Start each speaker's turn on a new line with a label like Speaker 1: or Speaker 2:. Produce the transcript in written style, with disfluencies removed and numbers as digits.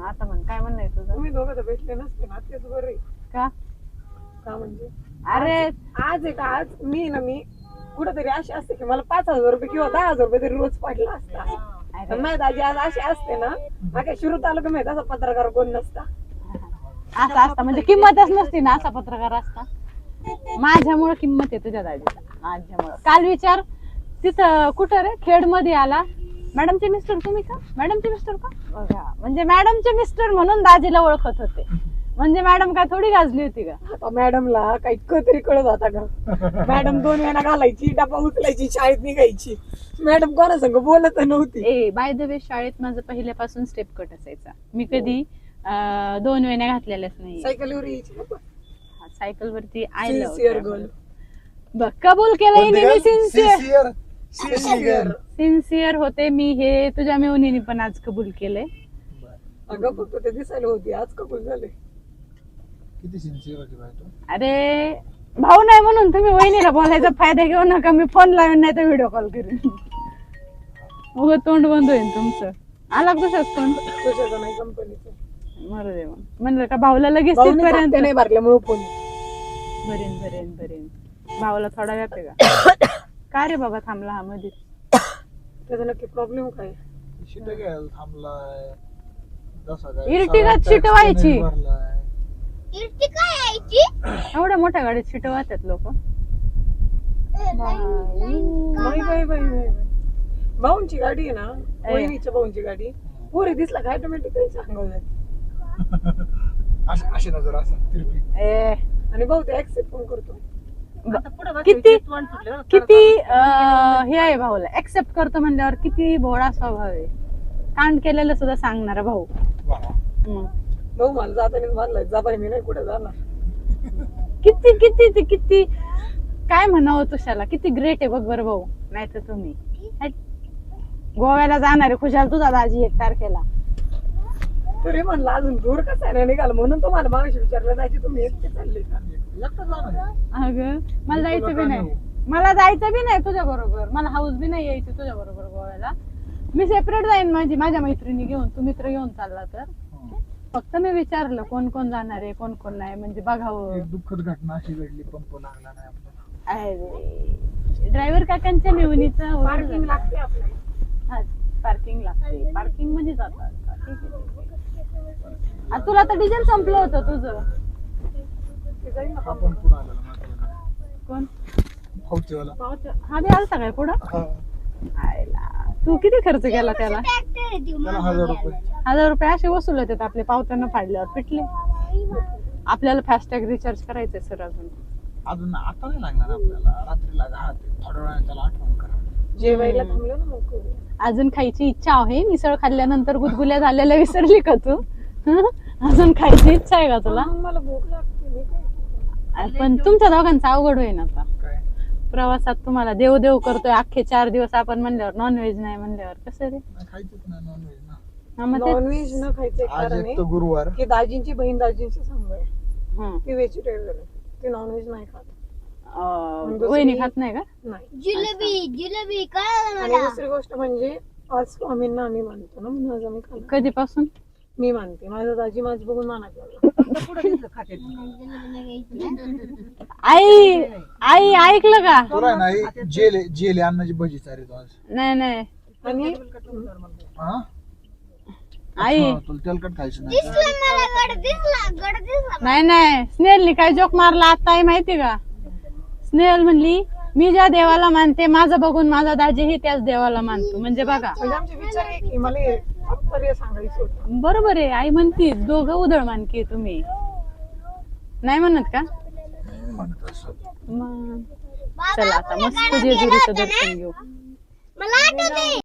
Speaker 1: आता म्हण काय म्हणणं आहे तुझं?
Speaker 2: तुम्ही दोघं तर भेटले नसते ना, तेच बरं आहे.
Speaker 1: का
Speaker 2: का म्हणजे
Speaker 1: अरे
Speaker 2: आज आहे का, आज मी कुठंतरी अशी असते की मला 5,000 रुपये किंवा 10,000 रुपये तरी रोज पडला असता. पण माझी दाजी आज अशी असते ना, माझ्या शिरू तालुका माहित असा पत्रकार कोण नसता.
Speaker 1: असा असता म्हणजे किंमतच नसती ना, असा पत्रकार असता. माझ्यामुळे किंमत आहे तुझ्या दाजीला, माझ्यामुळे. काल विचार तिथं कुठं रे खेड मध्ये आला, मॅडमचे मिस्टर तुम्ही का, मॅडमचे मिस्टर का, बघा म्हणजे मॅडमचे मिस्टर म्हणून दाजीला ओळखत होते. म्हणजे मॅडम काय थोडी गाजली होती का?
Speaker 2: आता मॅडमला काही तरी कळत होता का? मॅडम 2 वेळा घालायची, डबा उचलायची, शाळेत निघायची. मॅडम कोणा संग बोलत नव्हती.
Speaker 1: ए बाय द वे, शाळेत माझं पहिल्यापासून स्टेप कट असायचा. मी कधी 2 वेण्या घातलेल्याच नाही.
Speaker 2: सायकलीवर यायची ना पण.
Speaker 1: सायकल वरती आय
Speaker 2: सिन्सिअर गर्ल.
Speaker 1: बघ कबूल केलं सिन्सिअर
Speaker 3: सिन्सिअर
Speaker 1: सिन्सिअर होते मी, हे तुझ्या मेवणीने पण आज कबूल केलंय.
Speaker 2: अगं फक्त ते दिसायला होती, आज कबूल झाले.
Speaker 3: किती सिन्सिअर होती बाई तू.
Speaker 1: अरे भाऊ नाही म्हणून तुम्ही वहिनीला बोलायचा फायदा घेऊ नका. मी फोन लावेन नाही तर व्हिडिओ कॉल करेन. उगं तोंड बंद होईल तुमचं. आला कशाच फोन?
Speaker 2: तुझ्याचं नाही, कंपनीचं.
Speaker 1: मरू दे मग. म्हणलं का भाऊला लगेच
Speaker 2: भाऊनी
Speaker 1: तिथपर्यंत
Speaker 2: खाते नाही भरल्यामुळे फोन.
Speaker 1: भरेन भाऊला थोडा व्याप आहे का? का रे बाबा थांबला हा मध्ये?
Speaker 2: त्याचा नक्की प्रॉब्लेम काय?
Speaker 3: शिट घ्यायला थांबलाय. जसा काय
Speaker 1: इर्टिगात शिट व्हायची.
Speaker 3: भरलाय.
Speaker 1: एवढ्या मोठ्या गाडीत शिट वाहतात लोक.
Speaker 2: बाई. भाऊंची गाडी आहे ना, वहिनीच्या भाऊंची गाडी. पोरी दिसला काय ऑटोमॅटिक सांगावं जाते.
Speaker 3: अशी नजर असं तिरपी.
Speaker 1: ए
Speaker 2: आणि भाऊ ते ऍक्सेप्ट पण करतो.
Speaker 1: किती हे आहे भाऊला, ऍक्सेप्ट करतो म्हणल्यावर किती भोळा स्वभाव आहे. कांड केलेलं सुद्धा सांगणार भाऊ.
Speaker 3: वा.
Speaker 1: मग
Speaker 2: भाऊ मला जाताना म्हणलाय, जा बाई मी नाही कुठे जाणार.
Speaker 1: किती काय म्हणावं तुझ्याला, किती ग्रेट आहे बघ बरं भाऊ. नाही तर तुम्ही गोव्याला जाणार आहे खुशाल तुझा दाजी 1 तारखेला.
Speaker 2: तरी म्हणलं अजून दूर कसा नाही निघाला, म्हणून तुम्हाला मागाशी विचारलं जायची तुम्ही एकटे चालले का?
Speaker 3: एकटं जाणार.
Speaker 1: अगं मला जायचं बी नाही तुझ्या बरोबर. मला हाऊस बी नाही यायची तुझ्या बरोबर गोव्याला. मी सेपरेट जाईन माझ्या मैत्रिणी घेऊन. तू मित्र घेऊन चालला तर फक्त मी विचारलं कोण कोण जाणार आहे कोण कोण नाही, म्हणजे बघावं.
Speaker 3: एक दुःखद घटना अशी घडली, पंप लागला नाही आपल्याला.
Speaker 1: अरे ड्रायव्हर काकांच्या मेवणीचं
Speaker 2: पार्किंग लागते आपल्याला.
Speaker 1: पार्किंग लागते. पार्किंग मध्ये जातात. तुला तर डिझेल संपलं होतं तुझं.
Speaker 2: ते जाईल ना
Speaker 3: आपण पुढे आलेला माहिती.
Speaker 1: कोण
Speaker 3: भाऊचेवाला.
Speaker 1: हा बी आलता काय पुढं? आयला तू किती खर्च केला त्याला?
Speaker 3: त्याला 1,000 रुपये.
Speaker 1: 1,000 रुपये असे वसूल होतात आपले पावत्यानं फाडल्यावर पिटले. आपल्याला फास्टॅग रिचार्ज करायचंय सर
Speaker 3: अजून आता नाही लागणार आपल्याला. रात्रीला थोड्या वेळाने त्याला आठवण करा.
Speaker 2: जेवायला थांबलो ना मग करू.
Speaker 1: अजून खायची इच्छा आहे. मिसळ खाल्ल्यानंतर गुदगुल्या झालेल्या विसरली का तू? अजून खायची इच्छा आहे का तुला?
Speaker 2: मला भूक लागते, मी काय करू?
Speaker 1: पण तुमच्या दोघांचा अवघड होईल आता
Speaker 3: काय
Speaker 1: प्रवासात. तुम्हाला देव देव करतोय अख्खे 4 दिवस आपण म्हणल्यावर, नॉनव्हेज नाही म्हणल्यावर कसं रे?
Speaker 3: नाही खायचंच नाही नॉनव्हेज ना.
Speaker 1: हा, मग तेच.
Speaker 2: नॉनव्हेज न खायचं एक
Speaker 3: आज
Speaker 2: कारण
Speaker 3: एक तर
Speaker 2: आहे
Speaker 3: गुरुवार.
Speaker 2: की दाजींची बहीण दाजींची सांग आहे,
Speaker 1: हं.
Speaker 2: ती व्हेजिटेरियन आहे, ती नॉनव्हेज नाही खात.
Speaker 1: वहिनी खात नाही का?
Speaker 2: नाही.
Speaker 4: जिलेबी काय
Speaker 2: आणि दुसरी गोष्ट म्हणजे आज स्वामींना आम्ही मानतो ना, म्हणून आज आम्ही खाल्लं.
Speaker 1: कधीपासून?
Speaker 2: मी मानते. माझा दाजी माझ बघून मानायला लागला.
Speaker 1: आई ऐकलं का?
Speaker 3: तुला नाही जेले अन्नाची भजी चारित आज.
Speaker 1: नाही
Speaker 2: आणि
Speaker 3: हा?
Speaker 1: आई
Speaker 3: अच्छा, तुला तेलकट खायचं नाही.
Speaker 1: नाही स्नेहलनी काय जोक मारला आता आहे माहिती का? स्नेहल म्हणली मी ज्या देवाला मानते माझं बघून माझा दाजीही त्याच देवाला मानतो. म्हणजे बघा
Speaker 2: म्हणजे आमचे विचार आहे की मला हे तात्पर्य सांगायचं होतं.
Speaker 1: बरोबर आहे. आई म्हणती दोघं उधळ मानकी तुम्ही नाही म्हणत का?
Speaker 3: म्हणत असं.
Speaker 1: मग चला आता मस्त जेजुरीचं दर्शन घेऊ.
Speaker 4: मला आठवते